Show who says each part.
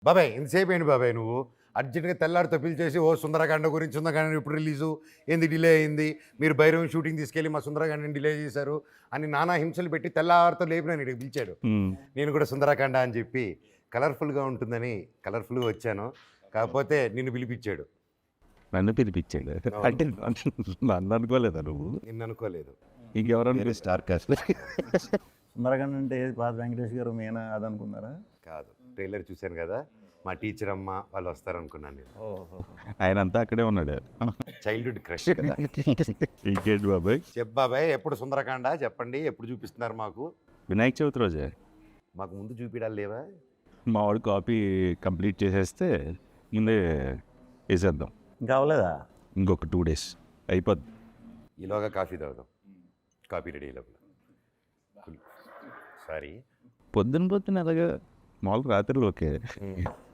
Speaker 1: బాబాయ్ ఇంతసేపు ఏంటి బాబాయ్ నువ్వు అర్జెంట్గా తెల్లారితో పిలిచేసి ఓ సుందరకాండ గురించి సుందరకాండ ఇప్పుడు రిలీజు ఏంది డిలే అయింది, మీరు భైరవం షూటింగ్ తీసుకెళ్ళి మా సుందరకాండని డిలే చేశారు అని నానా హింసలు పెట్టి తెల్లారితో లేపి నేను ఇక్కడికి పిలిచాడు. నేను కూడా సుందరకాండ అని చెప్పి కలర్ఫుల్గా ఉంటుందని కలర్ఫుల్గా వచ్చాను. కాకపోతే నిన్ను పిలిపించాడు.
Speaker 2: నన్ను పిలిపించాడు అంటే నన్ను అనుకోలేదా నువ్వు?
Speaker 1: నిన్ను అనుకోలేదు.
Speaker 2: ఇంకెవరన్నా
Speaker 3: స్టార్ కాస్ట్ సుందరకాండ అంటే పాత వెంకటేష్ గారు మేనా అది అనుకున్నారా?
Speaker 1: కాదు, ట్రైలర్ చూశాను కదా, మా టీచర్ అమ్మ వాళ్ళు వస్తారనుకున్నాను నేను.
Speaker 2: ఆయన అంతా అక్కడే ఉన్నాడు.
Speaker 1: చైల్డ్హుడ్ క్రష్ కదా.
Speaker 2: ఇంకేంటి బాబాయ్?
Speaker 1: చెప్ బాబాయ్, ఎప్పుడు సుందరకాండ చెప్పండి, ఎప్పుడు చూపిస్తున్నారు మాకు?
Speaker 2: వినాయక చవితి రోజే.
Speaker 1: మాకు ముందు చూపించాలి లేవా?
Speaker 2: మా వాడు కాపీ కంప్లీట్ చేసేస్తే ముందే వేసేద్దాం.
Speaker 3: ఇంకా అవ్వలేదా?
Speaker 2: ఇంకొక 2 days అయిపోద్ది.
Speaker 1: ఈలోగా కాఫీ తాగుదాం. కాఫీ రెడీ లోపల. సారీ
Speaker 2: పొద్దున అలాగా మామూలుగా రాత్రిలో ఓకే.